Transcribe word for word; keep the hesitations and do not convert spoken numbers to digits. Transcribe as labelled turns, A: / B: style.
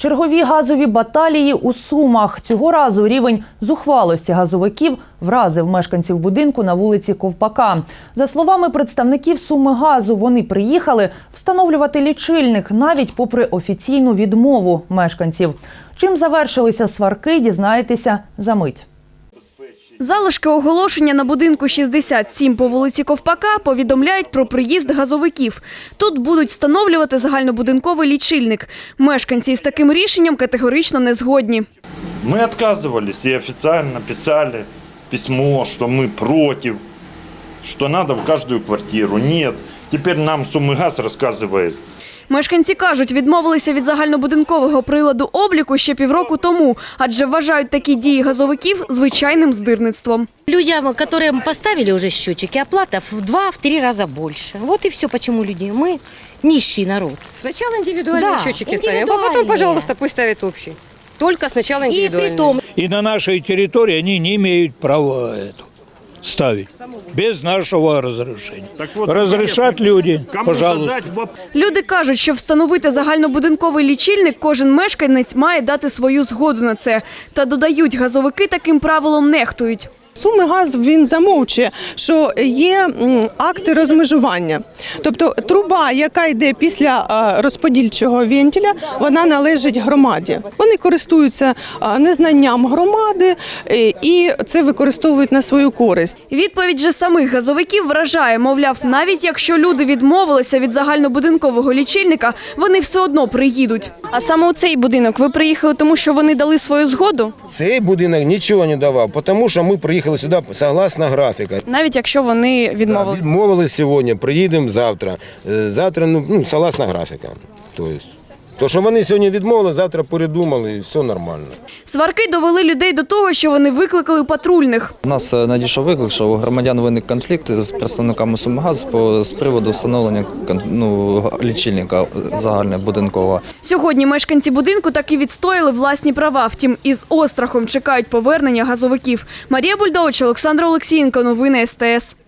A: Чергові газові баталії у Сумах. Цього разу рівень зухвалості газовиків вразив мешканців будинку на вулиці Ковпака. За словами представників Сумигазу, вони приїхали встановлювати лічильник навіть попри офіційну відмову мешканців. Чим завершилися сварки, дізнаєтеся за мить.
B: Залишки оголошення на будинку шістдесят сім по вулиці Ковпака повідомляють про приїзд газовиків. Тут будуть встановлювати загальнобудинковий лічильник. Мешканці з таким рішенням категорично не згодні.
C: Ми відмовилися і офіційно писали письмо, що ми проти, що треба в кожну квартиру. Ні, тепер нам Сумигаз розказує.
B: Мешканці кажуть, відмовилися від загальнобудинкового приладу обліку ще півроку тому, адже вважають такі дії газовиків звичайним здирництвом.
D: Людям, которым поставили уже счетчики, оплата в два-три раза больше. Вот и все, почему люди. Мы нищий народ.
E: Сначала индивидуальные
D: Да,
E: счетчики ставим, а
D: индивидуальные.
E: потом, пожалуйста, пусть ставят общий. Только сначала
D: И
E: индивидуальные.
D: при том,
F: И на нашей территории они не имеют права это ставить без нашего разрешения.
C: вот,
F: Разрешат люди,
C: Кому
F: пожалуйста.
C: задать вопрос?
B: Люди кажуть, що встановити загальнобудинковий лічильник кожен мешканець має дати свою згоду на це. Та додають, газовики таким правилом нехтують.
G: Сумигаз, він замовчує, що є м, акти розмежування. Тобто труба, яка йде після а, розподільчого вентиля, вона належить громаді. Вони користуються а, незнанням громади е, і це використовують на свою користь.
B: Відповідь же самих газовиків вражає. Мовляв, навіть якщо люди відмовилися від загальнобудинкового лічильника, вони все одно приїдуть. А саме у цей будинок ви приїхали, тому що вони дали свою згоду?
H: Цей будинок нічого не давав, тому що ми приїхали сюди согласно графіка.
B: Навіть якщо вони відмовилися?
H: Відмовились сьогодні, приїдемо завтра. Е, Завтра, ну, ну согласно графіка. Тобто, то, що вони сьогодні відмовили, завтра передумали і все нормально.
B: Сварки довели людей до того, що вони викликали патрульних.
I: У нас надійшов виклик, що у громадян виник конфлікт з представниками Сумигазу по з приводу встановлення ну, лічильника загальнобудинкового.
B: Сьогодні мешканці будинку таки відстояли власні права. Втім, із острахом чекають повернення газовиків. Марія Бульдович, Олександр Олексієнко. Новини ес те ес.